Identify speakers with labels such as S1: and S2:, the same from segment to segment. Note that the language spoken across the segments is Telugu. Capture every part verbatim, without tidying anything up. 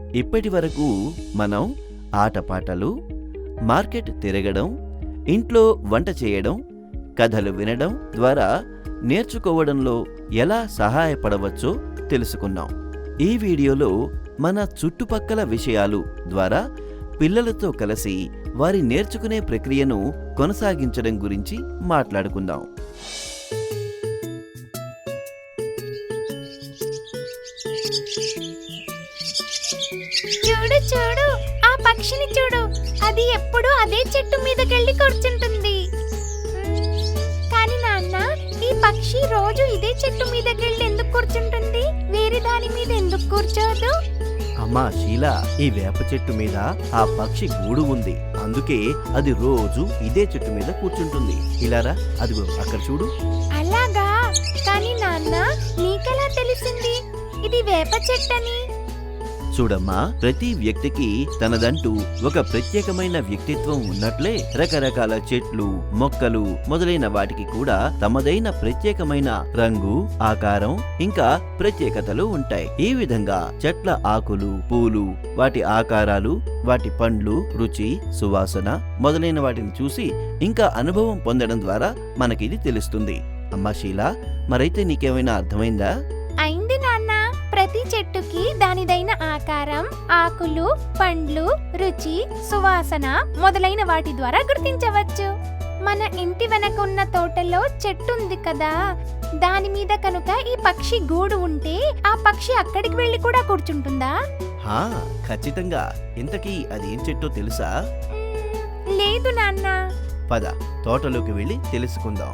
S1: ఇప్పటి వరకు మనం ఆటపాటలు, మార్కెట్ తిరగడం, ఇంట్లో వంట చేయడం, కథలు వినడం ద్వారా నేర్చుకోవడంలో ఎలా సహాయపడవచ్చో తెలుసుకున్నాం. ఈ వీడియోలో మన చుట్టుపక్కల విషయాలు ద్వారా పిల్లలతో కలిసి వారి నేర్చుకునే ప్రక్రియను కొనసాగించడం గురించి మాట్లాడుకుందాం.
S2: చూడు చూడు, ఆ పక్షిని చూడు. అది ఎప్పుడు అదే చెట్టు మీదకెళ్ళి కూర్చుంటుంది. కానీ నాన్న, ఈ పక్షి రోజు ఇదే చెట్టు మీదకెళ్ళి ఎందుకు కూర్చుంటుంది? వేరే దాని మీద ఎందుకు కూర్చోదు?
S1: అమ్మా షీలా, ఈ వేప చెట్టు మీద ఆ పక్షి గూడు ఉంది. అందుకే అది రోజు ఇదే చెట్టు మీద కూర్చుంటుంది. ఇలారా, అదిగో అక్కడ చూడు.
S2: అలాగా? కానీ నాన్న, నీకెలా తెలిసింది ఇది వేప చెట్టని?
S1: చూడమ్మా, ప్రతి వ్యక్తికి తనదంటూ ఒక ప్రత్యేకమైన వ్యక్తిత్వం ఉన్నట్లే రకరకాల చెట్లు, మొక్కలు మొదలైన వాటికి కూడా తమదైన ప్రత్యేకమైన రంగు, ఆకారం ఇంకా ప్రత్యేకతలు ఉంటాయి. ఈ విధంగా చెట్ల ఆకులు, పూలు, వాటి ఆకారాలు, వాటి పండ్లు, రుచి, సువాసన మొదలైన వాటిని చూసి ఇంకా అనుభవం పొందడం ద్వారా మనకిది తెలుస్తుంది. అమ్మా షీలా, మరైతే నీకేమైనా అర్థమైందా?
S2: అయింది నాన్న. ప్రతి చెట్టుకి దానిదైన ఆకారం, ఆకులు, పండ్లు, రుచి, సువాసన మొదలైన వాటి ద్వారా గుర్తించవచ్చు. మన ఇంటి వెనక ఉన్న తోటలో చెట్టు ఉంది కదా, దాని మీద కనుక ఈ పక్షి గూడు ఉంటే ఆ పక్షి అక్కడికి వెళ్ళి కూడా కూర్చుంటుందా?
S1: హా, ఖచ్చితంగా. ఇంతకీ అదేం చెట్టో తెలుసా?
S2: లేదు నాన్న.
S1: పద, తోటలోకి వెళ్ళి తెలుసుకుందాం.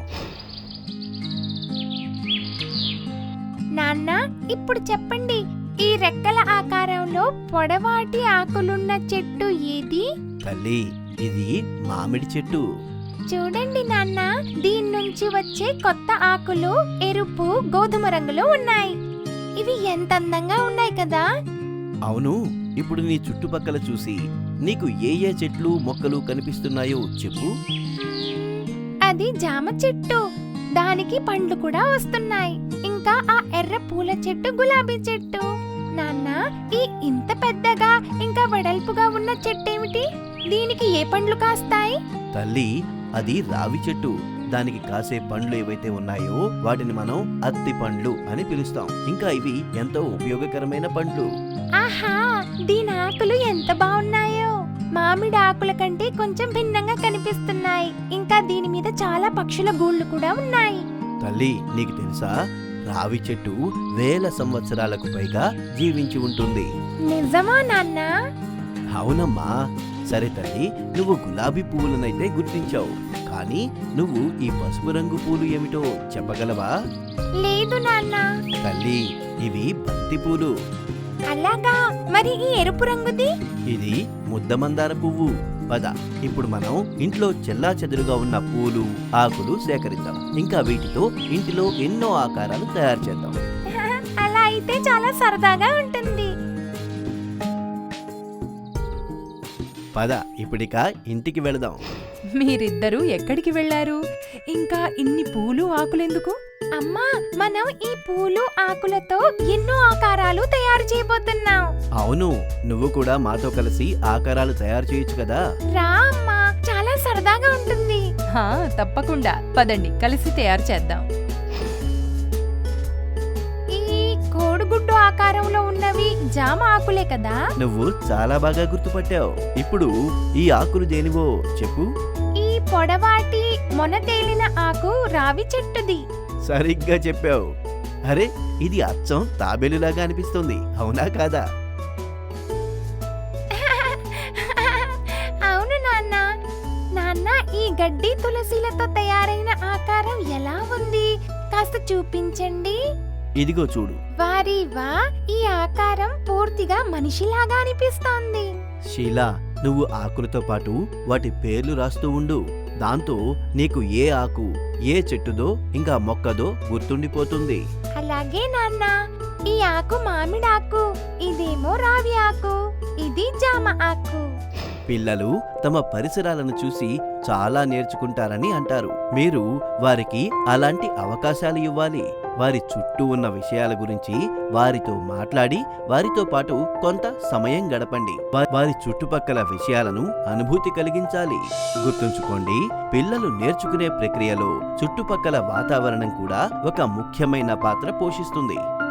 S2: నాన్న, ఇప్పుడు చెప్పండి, ఈ రెక్కల ఆకారంలో పొడవాటి ఆకులున్న చెట్టు ఏది?
S1: తల్లి, ఇది మామిడి చెట్టు.
S2: చూడండి నాన్న, దీని నుంచి వచ్చే కొత్త ఆకులు ఎరుపు, గోధుమ రంగులో ఉన్నాయి. ఇవి ఎంత అందంగా ఉన్నాయి కదా.
S1: అవును. ఇప్పుడు నీ చుట్టుపక్కల చూసి నీకు ఏ ఏ చెట్లు, మొక్కలు కనిపిస్తున్నాయో చెప్పు.
S2: అది జామ చెట్టు, దానికి పండ్లు కూడా వస్తున్నాయి. ఇంకా ఆ ఎర్ర పూల చెట్టు గులాబీ చెట్టు. నాన్న, ఈ ఇంత పెద్దగా ఇంకా వెడల్పుగా ఉన్న చెట్టేమిటి? దీనికి ఏ పండ్లు కాస్తాయి?
S1: తల్లి, అది రావి చెట్టు. దానికి కాసే పండ్లు ఏవైతే ఉన్నాయో వాటిని మనం అత్తి పండ్లు అని పిలుస్తాం. ఇంకా ఇవి ఎంతో ఉపయోగకరమైన పండ్లు.
S2: ఆహా, దీని ఆకులు ఎంత బాగున్నాయో. మామిడి ఆకుల కంటే కొంచెం భిన్నంగా కనిపిస్తున్నాయి. ఇంకా దీని మీద చాలా పక్షుల గూళ్ళు కూడా ఉన్నాయి.
S1: తల్లి, నీకు తెలుసా, రావి చెట్టు వేల సంవత్సరాలకు పైగా జీవించి ఉంటుంది.
S2: నిజమా నాన్న?
S1: అవునమ్మా. సరే తల్లి, నువ్వు గులాబీ పువ్వులనైతే గుర్తించావు, కానీ నువ్వు ఈ పసుపు రంగు పూలు ఏమిటో చెప్పగలవా?
S2: లేదు నాన్న.
S1: తల్లి, ఇవి బంతి పూలు.
S2: అలాగా? మరి ఈ ఎరుపు రంగుది?
S1: ఇది ముద్దమందార పువ్వు. పద, ఇప్పుడు మనం ఇంట్లో చెల్లా చెదురుగా ఉన్న పూలు, ఆకులు సేకరిద్దాం. ఇంకా వీటితో ఇంటిలో ఎన్నో ఆకారాలు తయారు చేద్దాం.
S2: అలా అయితే చాలా సరదాగా ఉంటుంది.
S1: పద, ఇప్పుడిక ఇంటికి వెళదాం.
S3: మీరిద్దరూ ఎక్కడికి వెళ్లారు? ఇంకా ఇన్ని పూలు, ఆకులెందుకు?
S2: అమ్మా, మనం ఈ పూలు, ఆకులతో ఎన్నో ఆకారాలు తయారు చేయబోతున్నాం.
S1: అవును, నువ్వు కూడా మాతో కలిసి ఆకారాలు తయారు చేయొచ్చు కదా.
S2: రా అమ్మా, చాలా సరదాగా ఉంటుంది.
S3: హా, తప్పకుండా. పదండి, కలిసి తయారు చేద్దాం.
S2: ఈ కోడిగుడ్డు ఆకారంలో ఉన్నవి జామ ఆకులే కదా?
S1: నువ్వు చాలా బాగా గుర్తుపట్టావు. ఇప్పుడు ఈ ఆకులు దేనివో చెప్పు.
S2: ఈ పొడవాటి మొన తేలిన ఆకు రావి చెట్టుది.
S1: సరిగ్గా చెప్పావు. అరే, ఇది అచ్చం తాబేలులాగా అనిపిస్తుంది, అవునా కాదా?
S2: అవును నాన్న. నాన్న, ఈ గడ్డి తులసిలతో తయారైన ఆకారం ఎలా ఉంది? కాస్త చూపించండి.
S1: ఇదిగో చూడు.
S2: వారి వా, ఈ ఆకారం పూర్తిగా మనిషిలాగా అనిపిస్తోంది.
S1: షీలా, నువ్వు ఆకులతో పాటు వాటి పేర్లు రాస్తూ ఉండు. దాంతో నీకు ఏ ఆకు, ఏ చెట్టుదో ఇంకా మొక్కదో గుర్తుండిపోతుంది.
S2: అలాగే నాన్న. ఈ ఆకు మామిడాకు, ఇదేమో రావి ఆకు, ఇది జామ ఆకు.
S1: పిల్లలు తమ పరిసరాలను చూసి చాలా నేర్చుకుంటారని అంటారు. మీరు వారికి అలాంటి అవకాశాలు ఇవ్వాలి. వారి చుట్టూ ఉన్న విషయాల గురించి వారితో మాట్లాడి వారితో పాటు కొంత సమయం గడపండి. వా- వారి చుట్టుపక్కల విషయాలను అనుభూతి కలిగించాలి. గుర్తుంచుకోండి, పిల్లలు నేర్చుకునే ప్రక్రియలో చుట్టుపక్కల వాతావరణం కూడా ఒక ముఖ్యమైన పాత్ర పోషిస్తుంది.